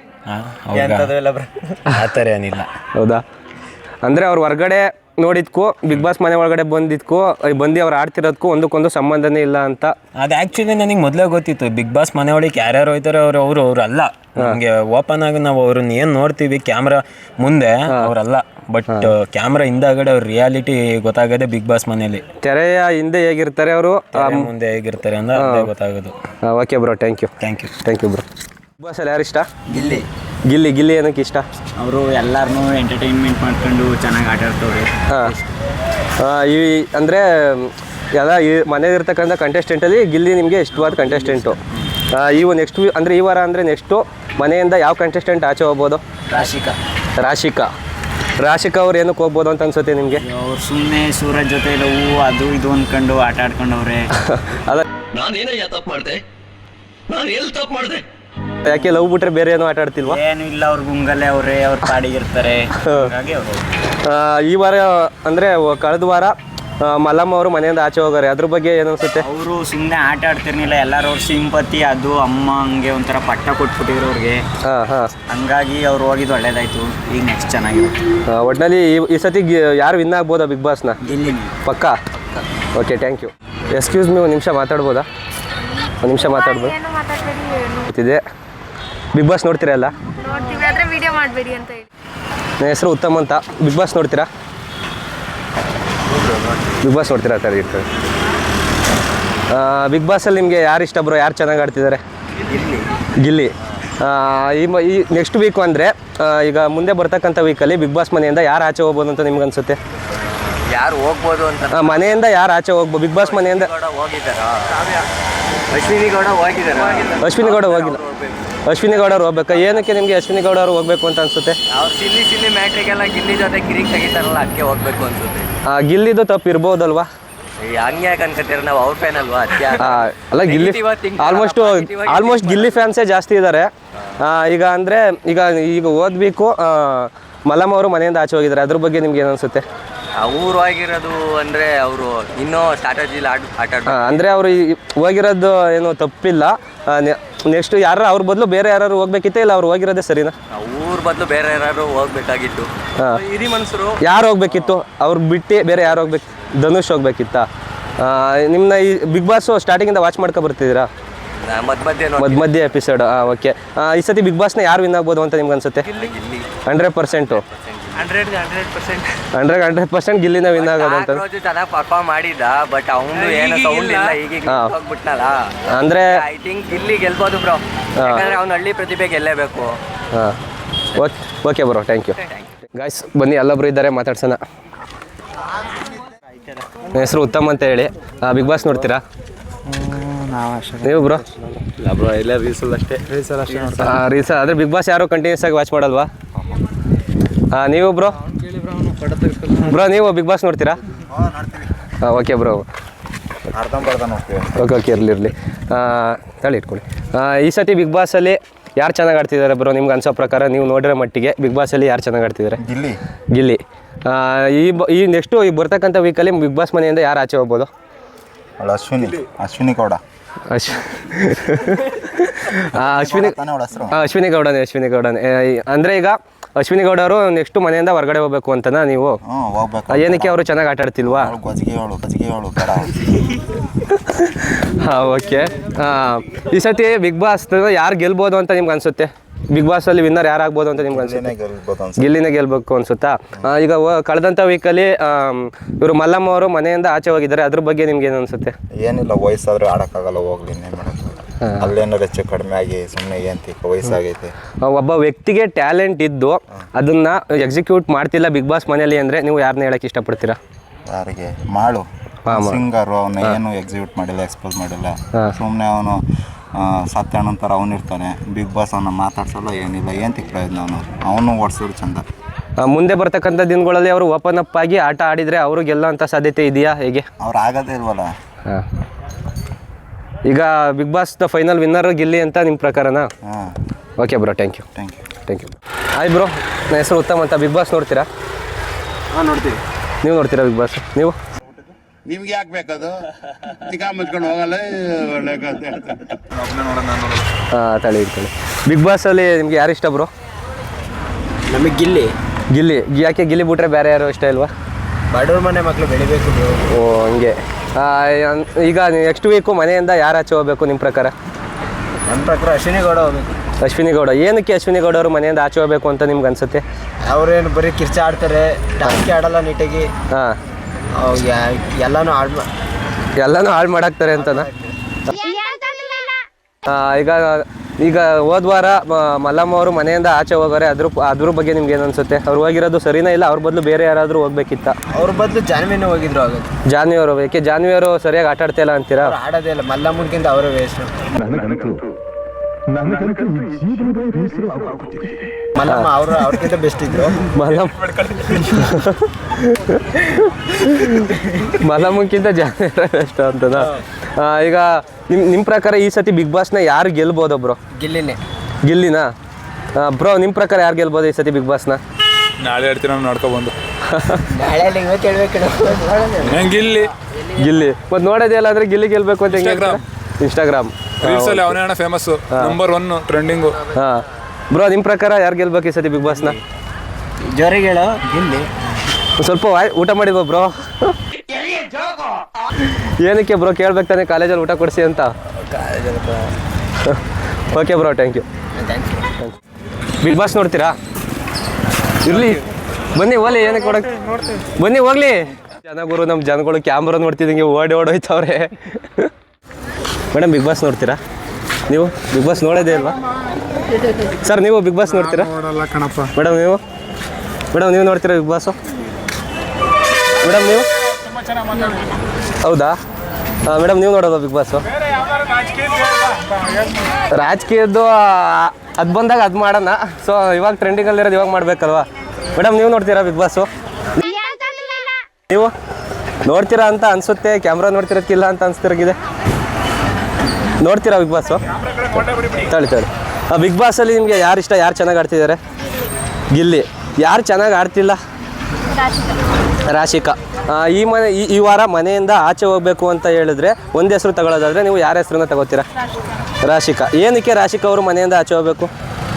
Speaker 4: ಆ ಥರ ಏನಿಲ್ಲ.
Speaker 1: ಹೌದಾ? ಅಂದರೆ ಅವ್ರು ಹೊರಗಡೆ ನೋಡಿದ್ಕೂ ಬಿಗ್ ಬಾಸ್ ಮನೆ ಒಳಗಡೆ ಬಂದಿದ್ಕೂ ಬಂದು ಅವ್ರು ಆಡ್ತಿರೋದಕ್ಕೂ ಒಂದಕ್ಕೊಂದು ಸಂಬಂಧನೇ ಇಲ್ಲ ಅಂತ.
Speaker 4: ಅದು ಆ್ಯಕ್ಚುಲಿ ನನಗೆ ಮೊದಲೇ ಗೊತ್ತಿತ್ತು, ಬಿಗ್ ಬಾಸ್ ಮನೆ ಒಳಗೆ ಯಾರ್ಯಾರು ಹೋಯ್ತಾರೆ ಅವ್ರು ಅಲ್ಲ. ನಮಗೆ ಓಪನ್ ಆಗಿ ನಾವು ಅವ್ರನ್ನ ಏನು ನೋಡ್ತೀವಿ ಕ್ಯಾಮ್ರಾ ಮುಂದೆ ಅವರಲ್ಲ, ಬಟ್ ಕ್ಯಾಮ್ರಾ ಹಿಂದಾಗಡೆ ಅವ್ರ ರಿಯಾಲಿಟಿ ಗೊತ್ತಾಗದೆ ಬಿಗ್ ಬಾಸ್ ಮನೇಲಿ.
Speaker 1: ತೆರೆಯ ಹಿಂದೆ ಹೇಗಿರ್ತಾರೆ ಅವರು,
Speaker 4: ಮುಂದೆ ಹೇಗಿರ್ತಾರೆ ಅಂತ ಅದೇ ಗೊತ್ತಾಗೋದು.
Speaker 1: Okay bro, thank you bro. Bigg ಬಾಸಲ್ಲಿ ಯಾರು ಇಷ್ಟ? ಗಿಲ್ಲಿ ಏನಕ್ಕೆ ಇಷ್ಟ?
Speaker 5: ಅವರು ಎಲ್ಲರನ್ನೂ ಎಂಟರ್ಟೈನ್ಮೆಂಟ್ ಮಾಡ್ಕೊಂಡು ಚೆನ್ನಾಗಿ ಆಟ ಆಡ್ತವ್ರೆ.
Speaker 1: ಈ ಅಂದರೆ ಎಲ್ಲ ಈ ಮನೇಲಿರ್ತಕ್ಕಂಥ ಕಂಟೆಸ್ಟೆಂಟಲ್ಲಿ ಗಿಲ್ಲಿ ನಿಮಗೆ ಇಷ್ಟವಾದ ಕಂಟೆಸ್ಟೆಂಟು. ನೆಕ್ಸ್ಟ್ ಅಂದರೆ ಈ ವಾರ ಅಂದರೆ ನೆಕ್ಸ್ಟು ಮನೆಯಿಂದ ಯಾವ ಕಂಟೆಸ್ಟೆಂಟ್ ಆಚೆ ಹೋಗ್ಬೋದು? ರಾಶಿಕಾ ಅವ್ರು ಏನಕ್ಕೆ ಹೋಗ್ಬೋದು ಅಂತ ಅನ್ಸುತ್ತೆ ನಿಮಗೆ?
Speaker 5: ಅವ್ರು ಸುಮ್ಮನೆ ಸೂರಜ್ ಜೊತೆ ಲವ್ ಅದು ಇದು ಅಂದ್ಕೊಂಡು ಆಟ ಆಡ್ಕೊಂಡವ್ರೆ.
Speaker 1: ಅದ
Speaker 3: ನಾನೇನಯ್ಯ ತಪ್ಪು ಮಾಡಿದೆ? ನಾನು ಎಲ್ಲಿ ತಪ್ಪು ಮಾಡಿದೆ?
Speaker 1: ಯಾಕೆ ಲವ್ ಬಿಟ್ರೆ ಬೇರೆ ಏನೋ ಆಟ ಆಡ್ತಿಲ್ವಾ?
Speaker 5: ಏನು ಇಲ್ಲ, ಅವ್ರ ಗುಂಗಲ್ಲೇ ಅವರೇ, ಅವ್ರ ಪಾಡಿಗಿರ್ತಾರೆ. ಹಾಗಾಗಿ ಅವರು
Speaker 1: ಈ ವಾರ ಅಂದರೆ ಕಳೆದ ವಾರ ಮಲ್ಲಮ್ಮ ಅವರು ಮನೆಯಿಂದ ಆಚೆ ಹೋಗಾರೆ, ಅದ್ರ ಬಗ್ಗೆ ಏನು ಅನ್ಸುತ್ತೆ?
Speaker 5: ಅವರು ಸುಮ್ಮನೆ ಆಟ ಆಡ್ತಿರ್ಲಿಲ್ಲ, ಎಲ್ಲರೂ ಅವ್ರ ಸಿಂಪತಿ ಅದು ಅಮ್ಮ ಹಂಗೆ ಒಂಥರ ಪಟ್ಟ ಕೊಟ್ಬಿಟ್ಟಿದ್ರು ಅವ್ರಿಗೆ. ಹಂಗಾಗಿ ಅವ್ರು ಹೋಗಿದ್ದು ಒಳ್ಳೇದಾಯ್ತು. ಈಗ ನೆಕ್ಸ್ಟ್ ಚೆನ್ನಾಗಿರುತ್ತೆ.
Speaker 1: ಒಟ್ಟಿನಲ್ಲಿ ಈ ಸತಿ ಯಾರು ವಿನ್ ಆಗ್ಬೋದಾ ಬಿಗ್ ಬಾಸ್ನ?
Speaker 5: ಗಿಲ್ಲಿ
Speaker 1: ಪಕ್ಕಾ? Okay, thank you. Excuse me, ಒಂದು ನಿಮಿಷ ಮಾತಾಡ್ಬೋದಾ? ಒಂದು ನಿಮಿಷ ಮಾತಾಡ್ಬೋದು? ಗೊತ್ತಿದೆ. ಬಿಗ್ ಬಾಸ್ ನೋಡ್ತೀರಲ್ಲ?
Speaker 6: ನೋಡ್ತೀವಿ, ಆದರೆ ವಿಡಿಯೋ ಮಾಡಬೇಡಿ ಅಂತ ಹೇಳಿ.
Speaker 1: ನನ್ನ ಹೆಸರು ಉತ್ತಮ್ ಅಂತ. ಬಿಗ್ ಬಾಸ್ ನೋಡ್ತೀರಾ? ಬಿಗ್ ಬಾಸ್ ನೋಡ್ತೀರಾ? ಸರಿ, ಇರ್ತದೆ. ಬಿಗ್ ಬಾಸಲ್ಲಿ ನಿಮಗೆ ಯಾರು ಇಷ್ಟ ಬ್ರೋ? ಯಾರು ಚೆನ್ನಾಗಿ ಆಡ್ತಿದ್ದಾರೆ? ಗಿಲ್ಲಿ. ಈ ನೆಕ್ಸ್ಟ್ ವೀಕು ಅಂದರೆ ಈಗ ಮುಂದೆ ಬರ್ತಕ್ಕಂಥ ವೀಕಲ್ಲಿ ಬಿಗ್ ಬಾಸ್ ಮನೆಯಿಂದ ಯಾರು ಆಚೆ ಹೋಗ್ಬೋದು ಅಂತ ನಿಮ್ಗೆ ಅನ್ಸುತ್ತೆ?
Speaker 2: ಯಾರು ಹೋಗ್ಬೋದು ಅಂತ
Speaker 1: ಮನೆಯಿಂದ ಯಾರು ಆಚೆ ಹೋಗ್ಬೋದು? ಬಿಗ್ ಬಾಸ್ ಮನೆಯಿಂದ
Speaker 2: ಅಶ್ವಿನಿ ಗೌಡ ಹೋಗಿದ್ದಾರೆ.
Speaker 1: ಅಶ್ವಿನಿ ಗೌಡ ಅವ್ರು ಹೋಗ್ಬೇಕಾ? ಏನಕ್ಕೆ ನಿಮಗೆ ಅಶ್ವಿನಿ ಗೌಡ ಅವ್ರು ಹೋಗ್ಬೇಕು ಅಂತ ಅನ್ಸುತ್ತೆ?
Speaker 2: ಅವ್ರು ಸಿಲ್ಲಿ ಮ್ಯಾಟ್ರಿಗೆಲ್ಲ ಗಿಲ್ಲಿ ಜೊತೆ ಕಿರಿಕ್ ತೆಗಿತಾರಲ್ಲ, ಅದಕ್ಕೆ ಹೋಗ್ಬೇಕು ಅನ್ಸುತ್ತೆ.
Speaker 1: ಗಿಲ್ಲಿದು ತಪ್ಪು ಇರ್ಬೋದಲ್ವಾ?
Speaker 2: ಹಂಗೆ ಯಾಕೆ ಅನ್ಕೋತೀರ? ನಾವು ಅವ್ರ ಫ್ಯಾನ್ ಅಲ್ವಾ?
Speaker 1: ಅಲ್ಲ, ಗಿಲ್ಲಿ ಆಲ್ಮೋಸ್ಟ್ ಗಿಲ್ಲಿ ಫ್ಯಾನ್ಸೇ ಜಾಸ್ತಿ ಇದ್ದಾರೆ. ಈಗ ಅಂದರೆ ಈಗ ಓದ್ಬೇಕು ಮಲ್ಲಮ್ಮ ಅವರು ಮನೆಯಿಂದ ಆಚೆ ಹೋಗಿದ್ದಾರೆ, ಅದ್ರ ಬಗ್ಗೆ ನಿಮ್ಗೆ ಏನು ಅನ್ಸುತ್ತೆ?
Speaker 2: ಅವ್ರು ಆಗಿರೋದು ಅಂದರೆ ಅವರು ಇನ್ನೂ ಸ್ಟ್ರಾಟಜಿಲಿ ಆಟ
Speaker 1: ಅಂದರೆ ಅವರು ಹೋಗಿರೋದು ಏನೋ ತಪ್ಪಿಲ್ಲ. ನೆಕ್ಸ್ಟ್ ಅವ್ರ ಬದಲು ಬೇರೆ ಯಾರು ಹೋಗ್ಬೇಕಿತ್ತೆ, ಇಲ್ಲ ಅವ್ರು ಹೋಗಿರೋದೇ ಸರಿನಾ?
Speaker 2: ಅವ್ರ ಬದಲು ಬೇರೆ ಯಾರು ಹೋಗ್ಬೇಕಾಗಿತ್ತು. ಹಿರಿ ಮನುಷ್ಯರು ಯಾರು
Speaker 1: ಹೋಗ್ಬೇಕಿತ್ತು? ಅವ್ರು ಬಿಟ್ಟು ಬೇರೆ ಯಾರು ಹೋಗ್ಬೇಕು? ಧನುಷ್ ಹೋಗ್ಬೇಕಿತ್ತಾ? ನಿಮ್ಮನ್ನ ಈ ಬಿಗ್ ಬಾಸ್ ಸ್ಟಾರ್ಟಿಂಗಿಂದ ವಾಚ್ ಮಾಡ್ಕೊ ಬರ್ತಿದ್ದೀರಾ? ಮಧ್ಯ ಎಪಿಸೋಡ್. ಓಕೆ, ಈ ಸತಿ ಬಿಗ್ ಬಾಸ್ನ ಯಾರು ವಿನ್ ಆಗ್ಬೋದು ಅಂತ ನಿಮ್ಗೆ ಅನ್ಸುತ್ತೆ?
Speaker 2: 100%.
Speaker 1: 100% ಗಿಲ್ಲಿನ ವಿನ್ ಆಗೋದು ಅಂತ.
Speaker 2: ಚೆನ್ನಾಗಿ ಪರ್ಫಾರ್ಮ್ ಮಾಡಿದ್ದ, ಬಟ್ ಅವನು ಏನು ಸೌಂಡ್ ಇಲ್ಲ, ಈಗ ಹೋಗ್ಬಿಟ್ನಲ್ಲ.
Speaker 1: ಅಂದರೆ
Speaker 2: ಐ ಥಿಂಕ್ ಗಿಲ್ಲಿ ಗೆಲ್ಬೋದು ಬ್ರೋ, ಯಾಕಂದ್ರೆ ಅವ್ನು ಹಳ್ಳಿ ಪ್ರತಿಭೆ ಗೆಲ್ಲೇಬೇಕು.
Speaker 1: Okay bro, thank you. Guys, ಬನ್ನಿ, ಅಲ್ಲೊಬ್ರು ಇದ್ದಾರೆ, ಮಾತಾಡ್ಸೋಣ. ನನ್ನ ಹೆಸರು ಉತ್ತಮ್ ಅಂತ ಹೇಳಿ. ಬಿಗ್ ಬಾಸ್ ನೋಡ್ತೀರಾ ನೀವು ಬ್ರೋ? ರೀಲ್ಸ್ ಆದರೆ ಬಿಗ್ ಬಾಸ್ ಯಾರು ಕಂಟಿನ್ಯೂಸ್ ಆಗಿ ವಾಚ್ ಮಾಡಲ್ವಾ? ನೀವು ಬ್ರೋ? ನೀವು ಬಿಗ್ ಬಾಸ್ ನೋಡ್ತೀರಾ? ಓಕೆ ಬ್ರೋ, ಓಕೆ ಇರಲಿ. ತಳಿ ಇಟ್ಕೊಳ್ಳಿ. ಈ ಸತಿ ಬಿಗ್ ಬಾಸಲ್ಲಿ ಯಾರು ಚೆನ್ನಾಗಿ ಆಡ್ತಿದ್ದಾರೆ ಬ್ರೋ ನಿಮ್ಗೆ ಅನ್ಸೋ ಪ್ರಕಾರ? ನೀವು ನೋಡಿರೋ ಮಟ್ಟಿಗೆ ಬಿಗ್ ಬಾಸಲ್ಲಿ ಯಾರು ಚೆನ್ನಾಗಿ ಆಡ್ತಿದ್ದಾರೆ? ಗಿಲ್ಲಿ. ಈ ನೆಕ್ಸ್ಟು ಈ ಬರ್ತಕ್ಕಂಥ ವೀಕಲ್ಲಿ ಬಿಗ್ ಬಾಸ್ ಮನೆಯಿಂದ ಯಾರು ಆಚೆ ಹೋಗ್ಬೋದು?
Speaker 7: ಅಶ್ವಿನಿ ಗೌಡ.
Speaker 1: ಅಶ್ವಿನಿ ಗೌಡನೇ. ಅಂದರೆ ಈಗ ಅಶ್ವಿನಿ ಗೌಡ ಅವರು ನೆಕ್ಸ್ಟ್ ಮನೆಯಿಂದ ಹೊರಗಡೆ ಹೋಗ್ಬೇಕು ಅಂತನಾ ನೀವು? ಏನಕ್ಕೆ ಅವರು ಚೆನ್ನಾಗಿ ಆಟ ಆಡ್ತಿಲ್ವಾ? ಓಕೆ. ಈ ಸತಿ ಬಿಗ್ ಬಾಸ್ ಯಾರು ಗೆಲ್ಬೋದು ಅಂತ ನಿಮ್ಗೆ ಅನ್ಸುತ್ತೆ? ಬಿಗ್ ಬಾಸಲ್ಲಿ ವಿನ್ನರ್ ಯಾರಾಗ್ಬೋದು ಅಂತ ನಿಮ್ಗೆ ಅನ್ಸುತ್ತೆ? ಗಿಲ್ಲಿನೇ ಗೆಲ್ಬೇಕು ಅನ್ಸುತ್ತಾ? ಈಗ ಕಳೆದಂಥ ವೀಕಲ್ಲಿ ಇವರು ಮಲ್ಲಮ್ಮ ಅವರು ಮನೆಯಿಂದ ಆಚೆ ಹೋಗಿದ್ದಾರೆ, ಅದ್ರ ಬಗ್ಗೆ ನಿಮ್ಗೆ ಏನು ಅನ್ಸುತ್ತೆ?
Speaker 7: ಏನಿಲ್ಲ, ವಯಸ್ಸಾದ್ರೆ ಆಡೋಕ್ಕಾಗಲ್ಲ, ಹೋಗ್ಲಿ, ಅಲ್ಲೇನಾರು ಹೆಚ್ಚು ಕಡಿಮೆ ಆಗಿ ಸುಮ್ಮನೆ ವಯಸ್ಸಾಗೈತೆ.
Speaker 1: ಒಬ್ಬ ವ್ಯಕ್ತಿಗೆ ಟ್ಯಾಲೆಂಟ್ ಇದ್ದು ಅದನ್ನ ಎಕ್ಸಿಕ್ಯೂಟ್ ಮಾಡ್ತಿಲ್ಲ ಬಿಗ್ ಬಾಸ್ ಮನೆಯಲ್ಲಿ ಅಂದರೆ ನೀವು ಯಾರನ್ನ ಹೇಳಕ್ಕೆ ಇಷ್ಟಪಡ್ತೀರಾ?
Speaker 7: ಯಾರಿಗೆ? ಮಾಡು ಸಿಂಗರು, ಅವನ್ನ ಏನು ಎಕ್ಸಿಕ್ಯೂಟ್ ಮಾಡಿಲ್ಲ, ಎಕ್ಸ್ಪೋಸ್ ಮಾಡಿಲ್ಲ. ಸುಮ್ಮನೆ ಅವನು ಸತ್ಯ ನಂತರ ಅವನಿರ್ತಾನೆ. ಬಿಗ್ ಬಾಸ್ ಅವನ್ನ ಮಾತಾಡ್ಸಲ್ಲ, ಏನಿಲ್ಲ, ಏನು ಪ್ರಯೋಜನ? ಅವನು ಓಡಿಸಿದ್ರು ಚಂದ.
Speaker 1: ಮುಂದೆ ಬರ್ತಕ್ಕಂಥ ದಿನಗಳಲ್ಲಿ ಅವರು ಓಪನ್ ಅಪ್ ಆಗಿ ಆಟ ಆಡಿದರೆ ಅವರು ಗೆಲ್ಲೋ ಅಂಥ ಸಾಧ್ಯತೆ ಇದೆಯಾ? ಹೇಗೆ?
Speaker 7: ಅವ್ರು ಆಗೋದೇ ಇಲ್ವಲ್ಲ.
Speaker 1: ಈಗ Bigg Boss final winner Gilli ಅಂತ ನಿಮ್ಮ ಪ್ರಕಾರನಾ? Okay bro, thank you. Thank you. Hi bro, ನನ್ನ ಹೆಸರು ಉತ್ತಮ್ ಅಂತ. ಬಿಗ್ ಬಾಸ್ ನೋಡ್ತೀರಾ?
Speaker 8: ನೋಡ್ತೀವಿ.
Speaker 1: ನೀವು ನೋಡ್ತೀರಾ ಬಿಗ್ ಬಾಸ್? ನೀವು
Speaker 8: ನಿಮ್ಗೆ ಯಾಕೆ ಬೇಕದು? ಚಿಕ್ಕ ಮುಚ್ಕೊಂಡು ಹೋಗಲ್ಲ ಒಳ್ಳೆ
Speaker 1: ತಳಿ ಇಟ್ಕೊಳ್ಳಿ. ಬಿಗ್ ಬಾಸಲ್ಲಿ ನಿಮ್ಗೆ ಯಾರು ಇಷ್ಟ ಬ್ರೋ?
Speaker 4: ನಮಗೆ ಗಿಲ್ಲಿ
Speaker 1: ಯಾಕೆ ಗಿಲ್ಲಿ ಬಿಟ್ರೆ ಬೇರೆ ಯಾರು ಇಷ್ಟ ಇಲ್ವಾ?
Speaker 4: ಬಡವ್ರ ಮನೆ ಮಕ್ಕಳು ಬೆಳಿಬೇಕು.
Speaker 1: ಓ ಹಂಗೆ. ಈಗ ನೆಕ್ಸ್ಟ್ ವೀಕು ಮನೆಯಿಂದ ಯಾರು ಆಚೆ ಹೋಗ್ಬೇಕು ನಿಮ್ಮ ಪ್ರಕಾರ?
Speaker 4: ನಮ್ಮ ಪ್ರಕಾರ ಅಶ್ವಿನಿ ಗೌಡ ಹೋಗ್ಬೇಕು.
Speaker 1: ಅಶ್ವಿನಿ ಗೌಡ. ಏನಕ್ಕೆ ಅಶ್ವಿನಿ ಗೌಡ ಅವರು ಮನೆಯಿಂದ ಆಚೆ ಹೋಗ್ಬೇಕು ಅಂತ ನಿಮ್ಗೆ ಅನ್ಸುತ್ತೆ?
Speaker 4: ಅವ್ರೇನು ಬರೀ ಕಿರ್ಚ ಆಡ್ತಾರೆ, ಟಾಸ್ಕಿ ಆಡಲ್ಲ ನೀಟಾಗಿ.
Speaker 1: ಹಾಂ,
Speaker 4: ಎಲ್ಲನೂ
Speaker 1: ಹಾಳು ಮಾಡಾಕ್ತಾರೆ ಅಂತನಾ? ಈಗ ಹೋದ ವಾರ ಮಲ್ಲಮ್ಮ ಅವರು ಮನೆಯಿಂದ ಆಚೆ ಹೋಗೋರೆ, ಅದ್ರ ಬಗ್ಗೆ ನಿಮ್ಗೆ ಏನು ಅನ್ಸುತ್ತೆ? ಅವ್ರು ಹೋಗಿರೋದು ಸರಿನಾ ಇಲ್ಲ ಅವ್ರ ಬದಲು ಬೇರೆ ಯಾರಾದರೂ ಹೋಗ್ಬೇಕಿತ್ತ?
Speaker 4: ಅವ್ರ ಬದಲು ಜಾನ್ವಿನೇ ಹೋಗಿದ್ರು ಆಗೋದು.
Speaker 1: ಜಾನ್ವಿ ಅವರು. ಯಾಕೆ ಜಾನ್ವಿ ಅವರು ಸರಿಯಾಗಿ ಆಟ ಆಡ್ತಾ ಇಲ್ಲ ಅಂತೀರಾ?
Speaker 4: ಆಡೋದೇ ಇಲ್ಲ, ಮಲ್ಲಮ್ಮನ್ಕಿಂತ ಅವರೇ ವೇಸ್ಟ್. ಮಲ್ಲಮ್ಮ ಅವ್ರಕ್ಕಿಂತ ಬೆಸ್ಟ್ ಇದ್ರು.
Speaker 1: ಮಲ್ಲಮ್ಮಕ್ಕಿಂತ ಜಾನ್ವಿ ಬೆಸ್ಟ್ ಅಂತನಾ? ಈಗ ನಿಮ್ಮ ಪ್ರಕಾರ ಈ ಸತಿ ಬಿಗ್ ಬಾಸ್ನ ಯಾರು ಗೆಲ್ಬೋದು ಬ್ರೋ? ಗಿಲ್ಲಿನಾ? ಬ್ರೋ ನಿಮ್ಮ ಪ್ರಕಾರ ಯಾರು ಗೆಲ್ಬೋದು ಈ ಸತಿ ಬಿಗ್ ಬಾಸ್ನ?
Speaker 9: ನಾಳೆ ಹೇಳ್ತೀನಿ ನಾವು ನೋಡ್ಕೊಬಂದು.
Speaker 1: ಗಿಲ್ಲಿ ಮತ್ತೆ ನೋಡೋದೇ ಇಲ್ಲ ಅಂದ್ರೆ ಗಿಲ್ಲಿ ಗೆಲ್ಬೇಕು ಅಂತ ಇನ್ಸ್ಟಾಗ್ರಾಮ್
Speaker 9: ರೀಲ್ಸಲ್ಲಿ ಅವನೇ ಅಣ್ಣ ಫೇಮಸ್, ನಂಬರ್ 1 ಟ್ರೆಂಡಿಂಗು.
Speaker 1: ಹಾಂ ಬ್ರೋ, ನಿಮ್ಮ ಪ್ರಕಾರ ಯಾರು ಗೆಲ್ಬೇಕು ಈ ಸತಿ ಬಿಗ್ ಬಾಸ್ನ?
Speaker 5: ಜೋರಿಗೆ ಹೇಳೋ ಗಿಲ್ಲಿ.
Speaker 1: ಸ್ವಲ್ಪ ಊಟ ಮಾಡಿದ್ವ ಬ್ರೋ? ಏನಕ್ಕೆ ಬ್ರೋ ಕೇಳ್ಬೇಕು ತಾನೆ, ಕಾಲೇಜಲ್ಲಿ ಊಟ ಕೊಡಿಸಿ ಅಂತ. Okay bro, thank you. Bigg Boss ನೋಡ್ತೀರಾ? ಇರಲಿ ಬನ್ನಿ ಹೋಗ್ಲಿ, ಏನಕ್ಕೆ ಕೊಡಕ್ಕೆ ಬನ್ನಿ ಹೋಗ್ಲಿ. ಜನಗುರು ನಮ್ಮ ಜನಗಳು ಕ್ಯಾಮ್ರಾ ನೋಡ್ತಿದ್ದಂಗೆ ಓಡೋಯ್ತವ್ರೆ. ಮೇಡಮ್ ಬಿಗ್ ಬಾಸ್ ನೋಡ್ತೀರಾ ನೀವು? ಬಿಗ್ ಬಾಸ್ ನೋಡೋದೇ ಅಲ್ವಾ ಸರ್? ನೀವು ಬಿಗ್ ಬಾಸ್ ನೋಡ್ತೀರಾ? ಮೇಡಮ್ ನೀವು ನೋಡ್ತೀರಾ ಬಿಗ್ ಬಾಸು? ಮೇಡಮ್ ನೀವು? ಹೌದಾ ಮೇಡಮ್, ನೀವು ನೋಡೋದು ಬಿಗ್ ಬಾಸು? ರಾಜಕೀಯದ್ದು ಅದು ಬಂದಾಗ ಅದು ಮಾಡೋಣ. ಸೊ ಇವಾಗ ಟ್ರೆಂಡಿಂಗಲ್ಲಿರೋದು ಇವಾಗ ಮಾಡಬೇಕಲ್ವಾ? ಮೇಡಮ್ ನೀವು ನೋಡ್ತೀರಾ ಬಿಗ್ ಬಾಸು? ನೀವು ನೋಡ್ತೀರಾ ಅಂತ ಅನಿಸುತ್ತೆ, ಕ್ಯಾಮ್ರಾ ನೋಡ್ತಿರೋಕ್ಕಿಲ್ಲ ಅಂತ ಅನಿಸ್ತಿರೋಗಿದೆ. ನೋಡ್ತೀರಾ ಬಿಗ್ ಬಾಸು? ತಳಿ ಬಿಗ್ ಬಾಸಲ್ಲಿ ನಿಮಗೆ ಯಾರು ಇಷ್ಟ? ಯಾರು ಚೆನ್ನಾಗಿ ಆಡ್ತಿದ್ದಾರೆ? ಗಿಲ್ಲಿ. ಯಾರು ಚೆನ್ನಾಗಿ ಆಡ್ತಿಲ್ಲ? ರಾಶಿಕಾ. ಈ ವಾರ ಮನೆಯಿಂದ ಆಚೆ ಹೋಗಬೇಕು ಅಂತ ಹೇಳಿದ್ರೆ ಒಂದು ಹೆಸರು ತಗೊಳ್ಳೋದಾದರೆ ನೀವು ಯಾರ ಹೆಸರನ್ನ ತಗೋತೀರಾ? ರಾಶಿಕಾ. ಏನಕ್ಕೆ ರಾಶಿಕಾ ಅವರು ಮನೆಯಿಂದ ಆಚೆ ಹೋಗಬೇಕು?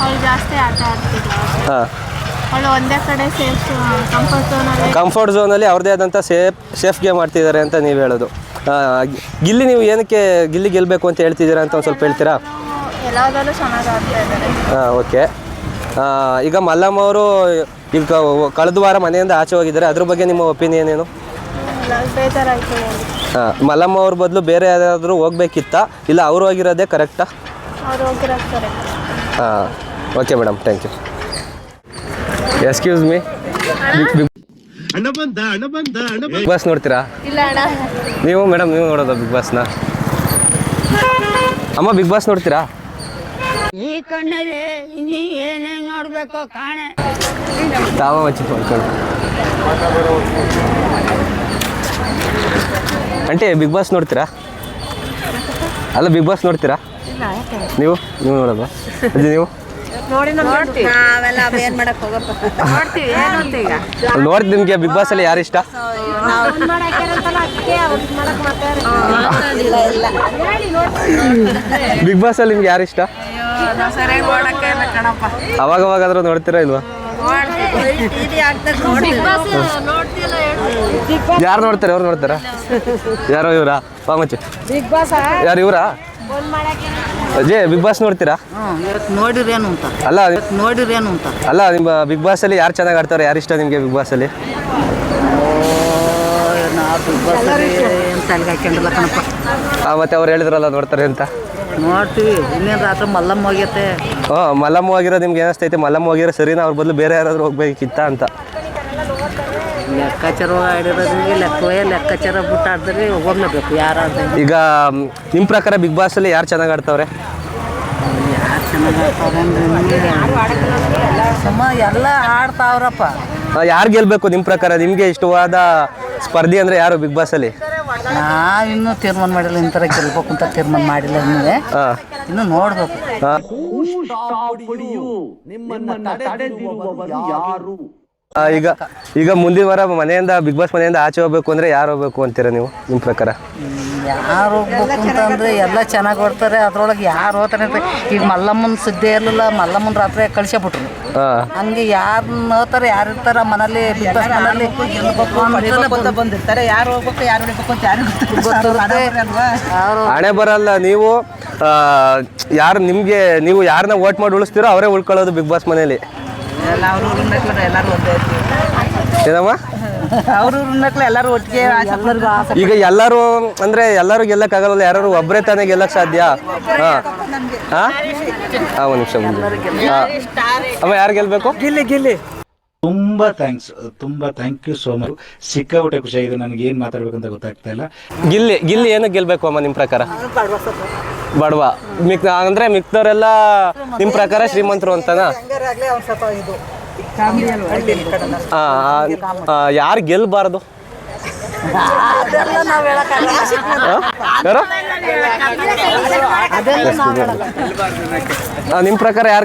Speaker 1: ಹಾಂ,
Speaker 6: ಒಂದೇ ಕಡೆ
Speaker 1: ಕಂಫರ್ಟ್ ಝೋನಲ್ಲಿ ಅವ್ರದ್ದೇ ಆದಂಥ ಸೇಫ್ ಗೇಮ್ ಮಾಡ್ತಿದ್ದಾರೆ ಅಂತ ನೀವು ಹೇಳೋದು. ಗಿಲ್ಲಿ, ನೀವು ಏನಕ್ಕೆ ಗಿಲ್ಲಿ ಗೆಲ್ಲಬೇಕು ಅಂತ ಹೇಳ್ತಿದ್ದೀರಾ ಅಂತ ಒಂದು ಸ್ವಲ್ಪ ಹೇಳ್ತೀರಾ?
Speaker 6: ಎಲ್ಲದರಲ್ಲೂ ಚೆನ್ನಾಗಿ ಆಡ್ತಾ ಇದ್ದಾರೆ.
Speaker 1: ಹಾಂ, ಓಕೆ. ಈಗ ಮಲ್ಲಮ್ಮ ಅವರು ಈಗ ಕಳೆದ ವಾರ ಮನೆಯಿಂದ ಆಚೆ ಹೋಗಿದ್ದಾರೆ, ಅದ್ರ ಬಗ್ಗೆ ನಿಮ್ಮ ಒಪಿನಿಯನ್ ಏನು?
Speaker 6: ಬೇಜಾರಾಯಿತು.
Speaker 1: ಹಾಂ, ಮಲ್ಲಮ್ಮ ಅವ್ರ ಬದಲು ಬೇರೆ ಯಾರಾದರೂ ಹೋಗ್ಬೇಕಿತ್ತಾ ಇಲ್ಲ ಅವ್ರು ಹೋಗಿರೋದೇ ಕರೆಕ್ಟಾ?
Speaker 6: ಅವ್ರು ಹೋಗಿರೋದು ಕರೆಕ್ಟ್.
Speaker 1: ಹಾಂ, okay madam, thank you. Excuse me, Bigg Boss ನೋಡ್ತೀರಾ?
Speaker 6: ಇಲ್ಲ ಅಣ್ಣ.
Speaker 1: ನೀವು ಮೇಡಮ್ ನೀವು ನೋಡೋದು ಬಿಗ್ ಬಾಸ್ನ? ಅಮ್ಮ ಬಿಗ್ ಬಾಸ್ ನೋಡ್ತೀರಾ?
Speaker 10: ಈ ಕಣ್ಣಲ್ಲಿ ನೀ ಏನೇನು ನೋಡ್ಬೇಕೋ ಕಾಣೆ.
Speaker 1: ತಾವ ಮಚ್ಚಿ ಮಾಡ್ಕೊಂಡು ಅಂಟೆ ಬಿಗ್ ಬಾಸ್ ನೋಡ್ತೀರಾ? ಅಲ್ಲ ಬಿಗ್ ಬಾಸ್ ನೋಡ್ತೀರಾ ನೀವು? ನೋಡೋದು ನೀವು? ನೋಡ್ತೀವಿ. ನಿಮಗೆ ಬಿಗ್ ಬಾಸ್ ಅಲ್ಲಿ ಯಾರು ಇಷ್ಟ? ಬಿಗ್ ಬಾಸ್ ಅಲ್ಲಿ ನಿಮ್ಗೆ ಯಾರು ಇಷ್ಟ? ಅವಾಗವಾಗಾದ್ರೂ ನೋಡ್ತೀರಾ ಇಲ್ವಾ? ಯಾರು ನೋಡ್ತಾರೆ? ಅವ್ರು ನೋಡ್ತಾರ? ಯಾರೋ ಇವರಾ? ಪಾಮಚ್ಚಿ ಯಾರು ಇವರಾ? ಅಜಯ್ ಬಿಗ್ ಬಾಸ್ ನೋಡ್ತೀರಾ?
Speaker 10: ನೋಡಿರೇನು ಅಂತ
Speaker 1: ಅಲ್ಲ
Speaker 10: ನೋಡಿರೇನು ಅಂತ
Speaker 1: ಅಲ್ಲ, ನಿಮ್ಮ ಬಿಗ್ ಬಾಸ್ ಅಲ್ಲಿ ಯಾರು ಚೆನ್ನಾಗಿ ಆಡ್ತಾರೆ? ಯಾರು ಇಷ್ಟ ನಿಮಗೆ ಬಿಗ್ ಬಾಸ್ ಅಲ್ಲಿ? ಮತ್ತೆ ಅವ್ರು ಹೇಳಿದ್ರಲ್ಲ ನೋಡ್ತಾರೆ ಅಂತ.
Speaker 10: ನೋಡ್ತೀವಿ. ಇನ್ನೇನು ರಾತ್ರಿ ಮಲ್ಲಮ್ಮ ಹೋಗ್ಯತೆ.
Speaker 1: ಮಲ್ಲಮ್ಮ ಹೋಗಿರೋ ನಿಮ್ಗೆ ಏನಿಸ್ತೈತೆ? ಮಲ್ಲಮ್ಮ ಹೋಗಿರೋ ಸರಿನಾ ಅವ್ರ ಬದಲು ಬೇರೆ ಯಾರಾದರೂ ಹೋಗ್ಬೇಕಿತ್ತ ಅಂತ?
Speaker 10: ಲೆಕ್ಕಾಚಾರ ಆಡಿರೋದ್ರಿಗೆ ಲೆಕ್ಕಾಚಾರ ಬಿಟ್ಟು ಆಡಿದ್ರೆ ಹೋಗ್ಲೇಬೇಕು ಯಾರಾದ್ರೆ.
Speaker 1: ಈಗ ನಿಮ್ಮ ಪ್ರಕಾರ ಬಿಗ್ ಬಾಸ್ ಅಲ್ಲಿ ಯಾರು ಚೆನ್ನಾಗಿ ಆಡ್ತಾವ್ರೆ?
Speaker 10: ಯಾರು ಚೆನ್ನಾಗಿ ಆಡ್ತಾವ್ರೆ? ಎಲ್ಲ ಆಡ್ತಾವ್ರಪ್ಪ.
Speaker 1: ಯಾರು ಗೆಲ್ಬೇಕು ನಿಮ್ಮ ಪ್ರಕಾರ? ನಿಮಗೆ ಇಷ್ಟವಾದ ಸ್ಪರ್ಧಿ ಅಂದರೆ ಯಾರು ಬಿಗ್ ಬಾಸ್ ಅಲ್ಲಿ?
Speaker 10: ನಾವಿನ್ನೂ ತೀರ್ಮಾನ ಮಾಡಿಲ್ಲ, ಇಂಥರ ಗೆಲ್ಬೇಕು ಅಂತ ತೀರ್ಮಾನ ಮಾಡಿಲ್ಲ ಇನ್ನು ನೋಡ್ಬೇಕು.
Speaker 1: ಈಗ ಮುಂದಿನ ವಾರ ಮನೆಯಿಂದ ಬಿಗ್ ಬಾಸ್ ಮನೆಯಿಂದ ಆಚೆ ಹೋಗ್ಬೇಕು ಅಂದ್ರೆ ಯಾರು ಹೋಗ್ಬೇಕು ಅಂತೀರಾ ನೀವು ನಿಮ್ಮ ಪ್ರಕಾರ?
Speaker 10: ಯಾರು ಹೋಗ್ಬೇಕು ಅಂತಂದ್ರೆ ಎಲ್ಲ ಚೆನ್ನಾಗಿ ಬರ್ತಾರೆ, ಅದ್ರೊಳಗೆ ಯಾರು ಹೋಗ್ತಾರೆ ಅಂತ. ಈಗ ಮಲ್ಲಮ್ಮನ ಸುದ್ದಿ ಇರಲಿಲ್ಲ, ಮಲ್ಲಮ್ಮನ ರಾತ್ರಿ ಕಳಿಸ್ಬಿಟ್ರು. ಹಂಗೆ ಯಾರು ಹೋಗ್ತಾರೆ, ಯಾರು ಇರ್ತಾರ ಮನೇಲಿ ಬಿಗ್ ಬಾಸ್ ಮನೇಲಿ ಬಂದಿರ್ತಾರೆ, ಯಾರು ಹೋಗ್ಬೇಕು ಯಾರು ಹೋಗ್ಬೇಕು ಅಂತ ಯಾರು
Speaker 1: ಹಣೆ ಬರಲ್ಲ. ನೀವು ಯಾರು ನಿಮಗೆ ನೀವು ಯಾರನ್ನ ವೋಟ್ ಮಾಡಿ ಉಳಿಸ್ತೀರೋ ಅವರೇ ಉಳ್ಕೊಳ್ಳೋದು ಬಿಗ್ ಬಾಸ್ ಮನೇಲಿ.
Speaker 10: ಎಲ್ಲರೂ ಒಂದೇ
Speaker 1: ಏನಮ್ಮ
Speaker 10: ಅವರು ಎಲ್ಲರೂ ಒಟ್ಟಿಗೆ.
Speaker 1: ಈಗ ಎಲ್ಲರೂ ಅಂದ್ರೆ ಎಲ್ಲರೂ ಗೆಲ್ಲಕ್ಕಾಗಲ್ಲ, ಯಾರು ಒಬ್ಬರೇ ತಾನೇ ಗೆಲ್ಲಕ್ ಸಾಧ್ಯ. ಒಂದು ನಿಮಿಷ ಅಮ್ಮ, ಯಾರು ಗೆಲ್ಬೇಕು?
Speaker 10: ಗಿಲ್ಲಿ
Speaker 11: ತುಂಬಾ ಥ್ಯಾಂಕ್ ಯು ಸೋ ಮಚ್. ಸಿಕ್ಕಾಪಟ್ಟೆ ಖುಷಿಯಾಗಿದೆ. ನನಗೆ ಏನು ಮಾತಾಡ್ಬೇಕಂತ ಗೊತ್ತಾಗ್ತಾ ಇಲ್ಲ.
Speaker 1: ಗಿಲ್ಲಿ ಏನಕ್ಕೆ ಗೆಲ್ಬೇಕು ಅಮ್ಮ ನಿಮ್ಮ ಪ್ರಕಾರ? ಬಡವ ಅಂದ್ರೆ ಮಿಕ್ದವರೆಲ್ಲ ನಿಮ್ಮ ಪ್ರಕಾರ ಶ್ರೀಮಂತರು ಅಂತನಾ? ಯಾರು ಗೆಲ್ಬಾರ್ದು? ನಿಮ್ಮ ಪ್ರಕಾರ ಯಾರು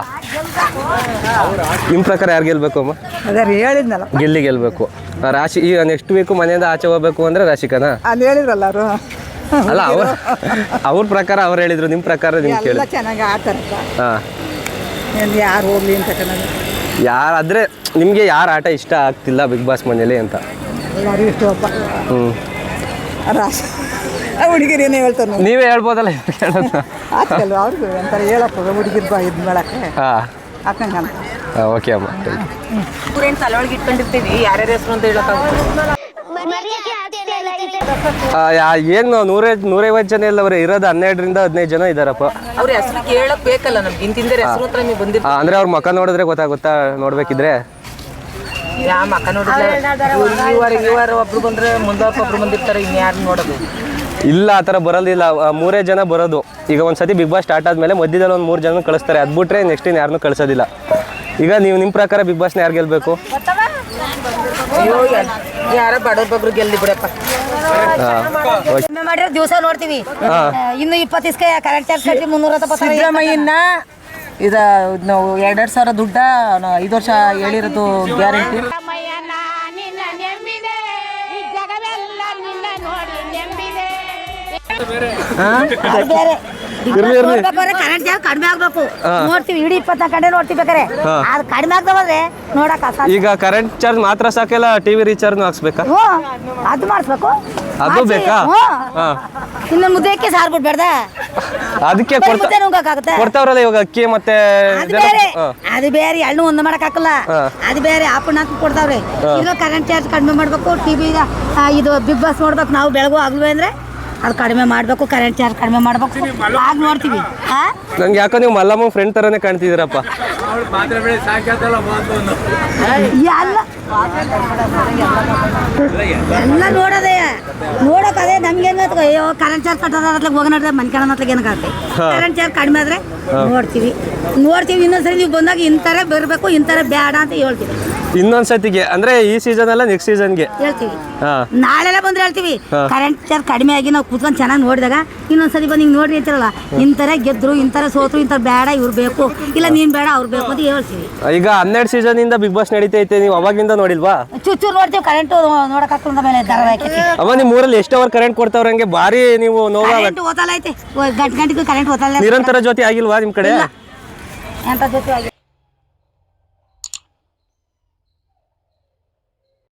Speaker 1: ನಿಮ್ಮ ಪ್ರಕಾರ ಯಾರು ಗೆಲ್ಬೇಕು ಅಮ್ಮ?
Speaker 10: ಹೇಳಿದ್ನಲ್ಲ,
Speaker 1: ಗಿಲ್ಲಿ ಗೆಲ್ಬೇಕು. ರಾಶಿ ಈಗ ನೆಕ್ಸ್ಟ್ ವೀಕು ಮನೆಯಿಂದ ಆಚೆ ಹೋಗ್ಬೇಕು ಅಂದ್ರೆ ರಾಶಿಕನಾ?
Speaker 10: ಅಲ್ಲಿ ಹೇಳಿದ್ರಲ್ಲ ಅವರು.
Speaker 1: ಅಲ್ಲ ಅವ್ರ ಪ್ರಕಾರ ಅವ್ರು ಹೇಳಿದ್ರು, ನಿಮ್ಮ ಪ್ರಕಾರ ನಿಮ್ಗೆ ಕೇಳಿ
Speaker 10: ಚೆನ್ನಾಗಿ ಆಡ್ತಾರೆ. ಯಾರು ಹೋಗ್ಲಿ ಅಂತ
Speaker 1: ಯಾರಾದ್ರೆ ನಿಮಗೆ ಯಾರು ಆಟ ಇಷ್ಟ ಆಗ್ತಿಲ್ಲ ಬಿಗ್ ಬಾಸ್ ಮನೇಲಿ ಅಂತ?
Speaker 10: ಎಲ್ಲರೂ ಇಷ್ಟವಪ್ಪ. ರಾಶಿ ಹುಡುಗಿರು ಏನೇ ಹೇಳ್ತಾರೆ,
Speaker 1: ನೀವೇ ಹೇಳ್ಬೋದಲ್ಲ
Speaker 10: ಆಗ್ತಲ್ವ ಅವ್ರಿಗೆ ಅಂತಾರೆ ಹೇಳಪ್ಪ ಹುಡುಗಿರ್ ಇದು ಮಾಡಕ್ಕೆ ಹಾಕಂಗ.
Speaker 1: ಓಕೆ ಅಮ್ಮ,
Speaker 10: ತಲೆಯೊಳಗೆ ಇಟ್ಕೊಂಡಿರ್ತೀವಿ ಯಾರ್ಯಾರ ಹೆಸರು ಅಂತ ಹೇಳಕ್ಕಾಗುತ್ತೆ.
Speaker 1: ಏನು 150 ಜನ ಎಲ್ಲ ಅವ್ರೆ ಇರೋದು, 12ರಿಂದ 15 ಜನ ಇದಾರಪ್ಪ.
Speaker 10: ಅವ್ರ ಹೆಸರು ಕೇಳಕ್ ಬೇಕಲ್ಲ ನಮ್ಗೆ, ಇಂತಿಂದ ಹೆಸರು ಹತ್ರ ನೀವು ಬಂದಿರ್ತೀವಿ
Speaker 1: ಅಂದ್ರೆ ಅವ್ರ ಮಕ್ಕ ನೋಡಿದ್ರೆ ಗೊತ್ತಾಗುತ್ತಾ? ನೋಡ್ಬೇಕಿದ್ರೆ
Speaker 10: ಯಾವ ಮಕ್ಕ ನೋಡಿದ್ರೆ ಇವರು ಒಬ್ರು ಬಂದ್ರೆ ಮುಂದಕ್ಕೆ ಒಬ್ರು ಬಂದಿರ್ತಾರೆ, ಇನ್ಯಾರು ನೋಡೋದು
Speaker 1: ಇಲ್ಲ. ಆ ಥರ ಬರೋದಿಲ್ಲ, 3 ಜನ ಬರೋದು. ಈಗ ಒಂದ್ಸತಿ ಬಿಗ್ ಬಾಸ್ ಸ್ಟಾರ್ಟ್ ಆದಮೇಲೆ ಮಧ್ಯದಲ್ಲಿ ಒಂದು 3 ಜನ ಕಳಿಸ್ತಾರೆ, ಅದು ಬಿಟ್ರೆ ನೆಕ್ಸ್ಟ್ ಇನ್ನು ಯಾರನ್ನೂ ಕಳಿಸೋದಿಲ್ಲ. ಈಗ ನೀವು ನಿಮ್ಮ ಪ್ರಕಾರ ಬಿಗ್ ಬಾಸ್ನ ಯಾರು ಗೆಲ್ಬೇಕು?
Speaker 10: ಯಾರ ಬಡವ್ರ ಬಗ್ರು ಗೆಲ್ಲಿ ಬಿಡಪ್ಪ.
Speaker 12: ಮಾಡಿರೋ ದಿವಸ ನೋಡ್ತೀವಿ, ಇನ್ನು 20 ದಿವಸ ಕರೆಂಟ್ ಚಾರ್ಜ್ ಕಟ್ಟಿ 370.
Speaker 10: ಸಿದ್ದರಾಮಯ್ಯನ ಇದು ನಾವು 2,000 ದುಡ್ಡ 5 ವರ್ಷ ಹೇಳಿರೋದು ಗ್ಯಾರಂಟಿ.
Speaker 12: ಕರೆಂಟ್ ಚಾರ್ಜ್ ಕಡಿಮೆ ಆಗ್ಬೇಕು ನೋಡ್ತೀವಿ, ಇಡೀ 24 ಗಂಟೆ ನೋಡ್ತೀವಿ. ಬೇಕಾರೆ ಅದು ಕಡಿಮೆ ಆಗ್ತವೆ ನೋಡಕ್.
Speaker 1: ಈಗ ಕರೆಂಟ್ ಚಾರ್ಜ್ ಮಾತ್ರ ಸಾಕೆಲ್ಲ, ಟಿವಿ ರೀಚಾರ್ಜ್ ಹಾಕ್ಸ್ಬೇಕಾ?
Speaker 12: ಅದು ಮಾಡಿಸ್ಬೇಕು,
Speaker 1: ಅದು ಬೇಕಾ?
Speaker 12: ಇನ್ನು ಮುದ್ದೆಕ್ಕೆ ಸಾರು ಬಿಡ್ಬೇಡ್ದ,
Speaker 1: ಅದಕ್ಕೆ ಕೊಡ್ತಾವ್ರಲ್ಲ ಇವಾಗ ಅಕ್ಕಿ ಮತ್ತೆ
Speaker 12: ಅದು ಬೇರೆ ಎಳ್ಳು ಒಂದು ಮಾಡಕ್ ಹಾಕಲ್ಲ, ಅದು ಬೇರೆ ಆಪಣ್ಣ ಹಾಕಿ ಕೊಡ್ತಾವ್ರಿ. ಈಗ ಕರೆಂಟ್ ಚಾರ್ಜ್ ಕಡಿಮೆ ಮಾಡ್ಬೇಕು, ಟಿವಿ ಇದು ಬಿಗ್ ಬಾಸ್ ನೋಡ್ಬೇಕು ನಾವು ಬೆಳಗು ಆಗ್ಲೂ ಅಂದ್ರೆ ಅದು ಕಡಿಮೆ ಮಾಡ್ಬೇಕು, ಕರೆಂಟ್ ಚಾರ್ಜ್ ಕಡಿಮೆ ಮಾಡ್ಬೇಕು, ಆಗ ನೋಡ್ತೀವಿ.
Speaker 1: ನಂಗೆ ಯಾಕೋ ನೀವು ಮಲ್ಲಮ್ಮ ಫ್ರೆಂಡ್ ತರನೇ ಕಾಣ್ತಿದ್ದೀರಪ್ಪ.
Speaker 12: ಎಲ್ಲ ನೋಡೋದೇ ನೋಡಕ್ ಅದೇ ನಮ್ಗೆ ಹೆಂಗ ಅಯ್ಯೋ ಕರೆಂಟ್ ಚಾರ್ಜ್ ಕಟ್ಟೋದ್ರಾಗ ಹೋಗೋಣ ಮನೆ ಕಾಣತ್ಲಾಗ ಏನಾಗುತ್ತೆ. ಕರೆಂಟ್ ಚಾರ್ಜ್ ಕಡಿಮೆ ಆದ್ರೆ ನೋಡ್ತೀವಿ. ಇನ್ನೊಂದ್ಸರಿ ನೀವು ಬಂದಾಗ ಇಂಥರ ಬರಬೇಕು, ಇಂಥರ ಬೇಡ ಅಂತ ಹೇಳ್ತೀವಿ.
Speaker 1: ಇನ್ನೊಂದ್ಸತಿಗೆ ಅಂದ್ರೆ ಈ ಸೀಸನ್ ಅಲ್ಲ ನೆಕ್ಸ್ಟ್ ಸೀಸನ್ಗೆ
Speaker 12: ಹೇಳ್ತೀವಿ. ನಾಳೆಲ್ಲ ಬಂದ್ರೆ ಹೇಳ್ತೀವಿ ಕರೆಂಟ್ ಚಾರ್ಜ್ ಕಡಿಮೆ ಆಗಿ ನಾವು ಕೂತ್ಕೊಂಡು ಚೆನ್ನಾಗಿ ನೋಡಿದಾಗ ಇನ್ನೊಂದ್ಸತಿ ಬಂದು ಹಿಂಗೆ ನೋಡ್ರಿ ಅಂತಾರಲ್ಲ, ಇಂಥರ ಗೆದ್ರು, ಇಂಥರ ಸೋತ್ರು, ಇಂಥರ ಬೇಡ ಇವ್ರು ಬೇಕು, ಇಲ್ಲ ನೀನ್ ಬೇಡ ಅವ್ರು ಬೇಕು ಅಂತ ಹೇಳ್ತೀವಿ.
Speaker 1: ಈಗ 12 ಸೀಸನ್ ಇಂದ ಬಿಗ್ ಬಾಸ್ ನಡೀತೈತೆ, ನೀವು ಅವಾಗಿಂದ ನೋಡಿಲ್ವಾ?
Speaker 12: ಚೂಚೂರು ನೋಡ್ತೀವಿ, ಕರೆಂಟ್ ನೋಡಕ್ ಹಾಕೊಂಡ ಮೇಲೆ ಧಾರಾವಾಹಿ.
Speaker 1: ಅವ ನಿಮ್ ಊರಲ್ಲಿ ಎಷ್ಟು ಅವರ್ ಕರೆಂಟ್ ಕೊಡ್ತಾವ್ರ? ಹಂಗೆ ಬಾರಿ ನೀವು
Speaker 12: ಓದಲ್ಲ ಐತೆ, ಗಂಟೆಗೂ ಕರೆಂಟ್ ಓದಲ್ಲ.
Speaker 1: ನಿರಂತರ ಜ್ಯೋತಿ ಆಗಿಲ್ವಾ ನಿಮ್ ಕಡೆ?
Speaker 12: ಎಂತ ಜೊತೆ